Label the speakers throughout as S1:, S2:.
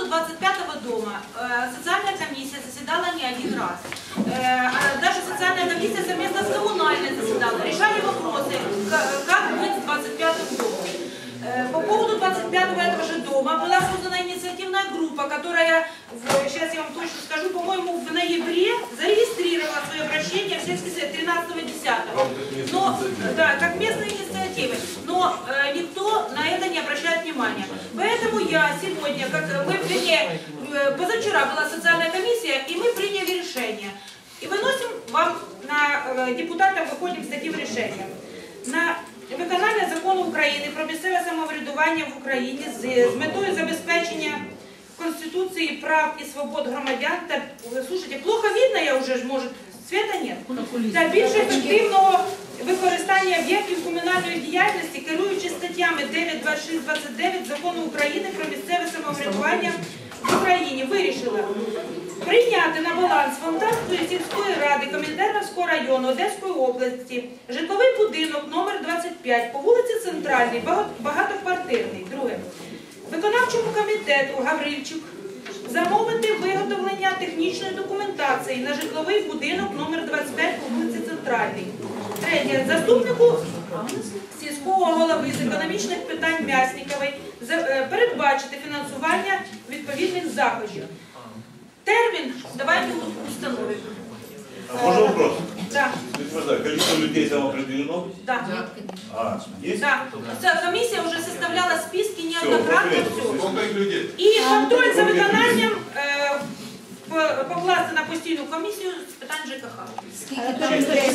S1: 25-го дома социальная комиссия заседала не один раз. Даже социальная комиссия совместно с коммунальной заседала, решали вопросы, как быть с 25-м домом. По поводу 25-го этого же дома была создана инициативная группа, которая, сейчас я вам точно скажу, по-моему, в ноябре зарегистрировала свое обращение в сельский совет 13-10. Но, да, как местные инициативы. Но никто на это не обращает внимания. Поэтому я сегодня, позавчера была социальная комиссия, и мы приняли решение. И выносим вам, на депутатам выходим с таким решением. На виконання закону України про місцеве самоврядування в Україні з метою забезпечення Конституції прав і свобод громадян та, слушайте, плохо видно, я вже, може, света нет, та більш ефективного використання об'єктів комунальної діяльності, керуючи статтями 9, 26, 29 Закону України про місцеве самоврядування в Україні, вирішила прийняти на баланс Фонтанської сільської ради Комінтерновського району Одеської області житловий будинок номер 25 по вулиці Центральній, багатоквартирний. Друге. Виконавчому комітету Гаврильчук замовити виготовлення технічної документації на житловий будинок номер 25 по вулиці Центральній. Третє. Заступнику сільського голови з економічних питань Мяснікової передбачити фінансування відповідних заходів. Термин давайте установим.
S2: Можно вопрос?
S1: Да.
S2: Количество людей там определено?
S1: Да.
S2: Есть?
S1: Да. Комиссия уже составляла списки неоднократно.
S2: Сколько их людей?
S1: И контроль за виконанням покласти на постійну комісію з питань ЖКХ.
S3: Анатолий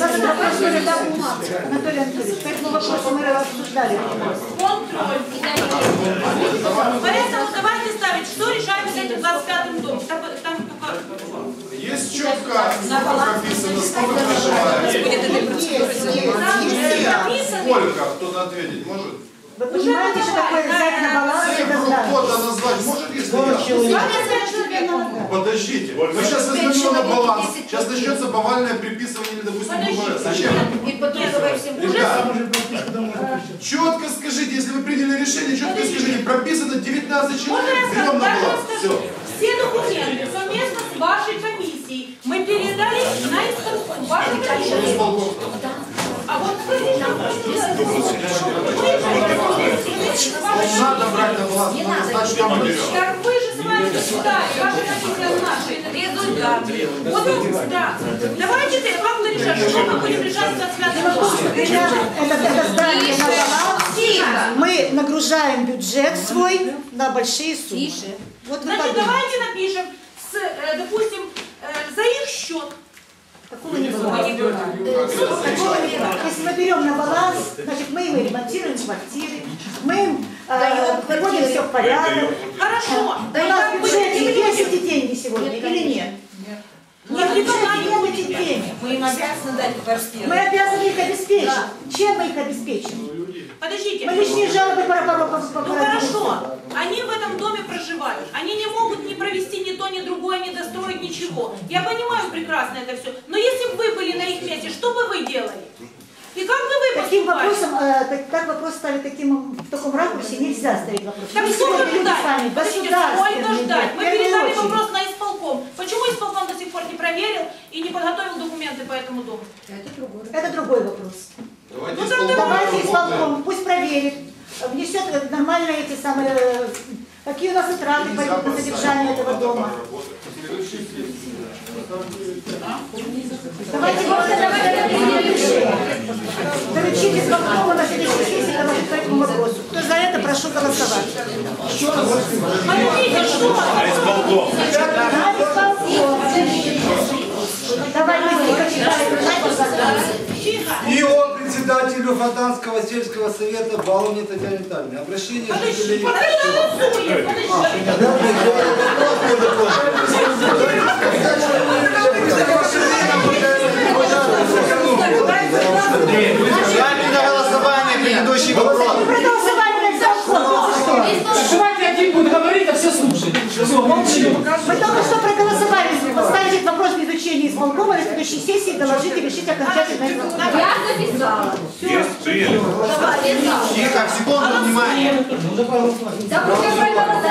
S3: Анатольевич, поэтому вопрос мы обсуждали.
S1: Контроль. Поэтому давайте ставить, что решаем с этим 25-м домом. Там только...
S4: Есть четко прописано, сколько проживает. Сколько? Кто-то ответить может?
S3: Вы понимаете, что такое взять на баланс и
S4: Цифру
S3: раздать?
S4: кода назвать может, если я? Подождите, мы сейчас возьмем на баланс. Сейчас начнется повальное приписывание или, допустим, БВС. Зачем? Четко скажите, если вы приняли решение, четко скажите, прописано 19 человек, берем на баланс. Все.
S1: Все документы совместно с вашей комиссией мы передали на исполком. Вашей комиссии. А вот
S4: Надо брать на баланс, надо знать, что мы берем.
S1: так вы же с вами считали, ваша комиссия наши результат. Вот, да. Давайте как-то решать, что мы будем решать с 25 года.
S3: Это здание на баланс. Мы нагружаем бюджет свой на большие суммы. Вот вы
S1: Значит,
S3: подумайте.
S1: давайте напишем, допустим, за их счет.
S3: Такого не бывает. Если мы берем на баланс, значит мы им ремонтируем квартиры, мы им приводим все в порядок.
S1: Хорошо.
S3: У нас в бюджете есть эти деньги сегодня или нет? Нет, в бюджете нет этих денег.
S5: Мы им обязаны дать квартиру.
S3: Мы обязаны их обеспечить. Чем мы их обеспечим?
S1: Подождите.
S3: Мы лишние жалобы по
S1: Ну хорошо, они в этом доме проживают, они не могут ни провести ни то, ни другое, ни достроить ничего. Я понимаю прекрасно это все, но если бы вы были на их месте, что бы вы делали? И как бы вы
S3: Таким
S1: поступали?
S3: вопросом, так вопрос ставить в таком ракурсе нельзя ставить вопрос.
S1: Так сколько ждать? Подождите, сколько ждать? Мы передали вопрос на исполком. Почему исполком до сих пор не проверил и не подготовил документы по этому дому?
S3: Это другой вопрос.
S4: Давайте
S3: исполком, пусть проверит, внесет нормально эти самые, какие у нас затраты пойдут на содержание этого дома. Давайте заручите исполкома на следующей сессии доложить по этому вопросу. Кто за это, прошу голосовать.
S1: Подождите, что?
S3: Давай быстренько читаем.
S6: И о председателю Фонтанского сельского совета Баловне Татьяне Витальевне. Обращение жителей...
S7: Ставим на голосование предыдущий вопрос.
S8: Давайте один будет говорить, а все слушают.
S3: Мы только что проголосовали, поставить этот вопрос в изучении исполкома на следующей сессии, доложить и решить окончательно этот вопрос.
S5: Я написала.
S2: Есть, приняли.
S7: Тихо, секунду, внимание.
S5: Да,